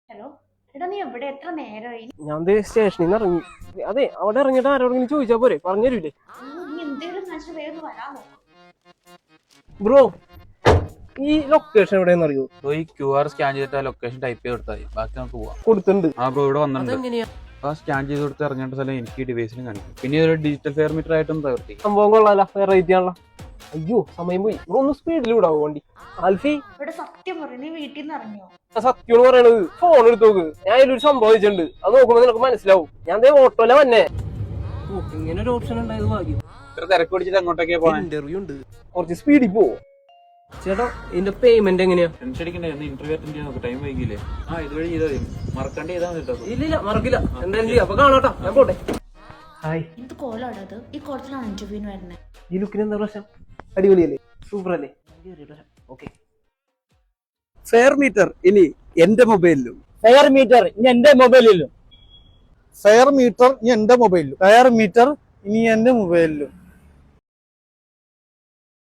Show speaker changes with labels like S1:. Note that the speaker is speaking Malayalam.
S1: ഹലോ, എടാ നീ എവിടെ? എത്ര നേരമായി?
S2: ഞാൻ സ്റ്റേഷനിൽ നിന്ന് ഇറങ്ങി. അതെ, അവിടെ ഇറങ്ങിയിട്ട് ആരോടെങ്കിലും ചോദിച്ചാ പോരെ, പറഞ്ഞുതരൂലേ?
S1: നീ എന്തെങ്കിലും മനുഷ്യൻ വേഗം വരാൻ നോക്കും.
S2: ബ്രോ, ഈ ലൊക്കേഷൻ എവിടെയെന്ന് അറിയോ?
S3: ഈ QR സ്കാൻ ചെയ്തിട്ട് ലൊക്കേഷൻ ടൈപ്പ് ചെയ്ത് കൊടുത്താൽ ബാക്കി നമുക്ക് പോവാം.
S2: കൊടുത്തിട്ടുണ്ട്.
S3: ആ ബ്രോ ഇവിടെ വന്നിട്ടുണ്ട്.
S2: അതെങ്ങനെയാ?
S3: ആ സ്കാൻ ചെയ്ത് കൊടുത്ത് ഇറങ്ങേണ്ട സ്ഥലം എനിക്ക് ഡിവൈസിലും കാണിക്കും. പിന്നെ ഒരു ഡിജിറ്റൽ ഫെയർ മീറ്റർ ആയിട്ടും പ്രവർത്തിക്കും.
S2: സംഭവം കൊള്ളാല, റേറ്റ് ചെയ്യാനുള്ള. അയ്യോ സമയം പോയി. ബ്രോ ഒന്ന് സ്പീഡിൽ വിടാവോ വണ്ടി? ആൽഫി,
S1: ഇവിടെ സത്യം പറയും, നീ വീട്ടിൽ നിന്ന് ഇറങ്ങിയോ?
S2: സത്യം പറയണത്. ഫോൺ എടുത്ത് നോക്ക്, ഞാൻ അതിലൊരു സംഭവം വെച്ചിട്ടുണ്ട്. അത് നോക്കുമ്പോ നിനക്ക് മനസ്സിലാവും. ഞാൻ ഓട്ടോല വന്നെ. ഇങ്ങനെ ഒരു ഓപ്ഷൻ ഉണ്ടായത് ഭാഗ്യം.
S3: ഇത്ര തിരക്ക് പിടിച്ചിട്ട് അങ്ങോട്ടൊക്കെ പോകാൻ
S2: ഇന്റർവ്യൂ ഉണ്ട്, കുറച്ച് സ്പീഡിൽ പോവോ? ചേട്ടാ, ഇതിന്റെ പേയ്മെന്റ് എങ്ങനെയാ?
S3: ടെൻഷൻ അടിക്കണ്ടേ? ഇന്റർവ്യൂ അറ്റൻഡ് ചെയ്യാൻ നോക്ക്, ടൈം വൈകില്ലേ? ഇതുവഴി ചെയ്താൽ മതി. മറക്കാണ്ട് ചെയ്താൽ മതി കേട്ടോ.
S2: ഇല്ല മറക്കില്ല. എന്തായാലും ചെയ്യാം. അപ്പൊ കാണാട്ടോ, ഞാൻ പോട്ടെ. ഹായ്.
S1: എന്ത് കോലാണ് അത്? ഈ കോളത്തിലാണ് ഇന്റർവ്യൂവിന് വരുന്നത്.
S2: ഈ ലുക്കിന് എന്താ പ്രശ്നം? അടിപൊളിയല്ലേ? സൂപ്പർ അല്ലേ? ഓക്കെ.
S4: ഫെയർ മീറ്റർ ഇനി എന്റെ മൊബൈലിലും.
S5: ഫെയർ മീറ്റർ ഇനി എന്റെ മൊബൈലിലും.
S4: ഫെയർ മീറ്റർ ഇനി എന്റെ മൊബൈലിലും. ഫെയർ മീറ്റർ ഇനി എന്റെ മൊബൈലിലും.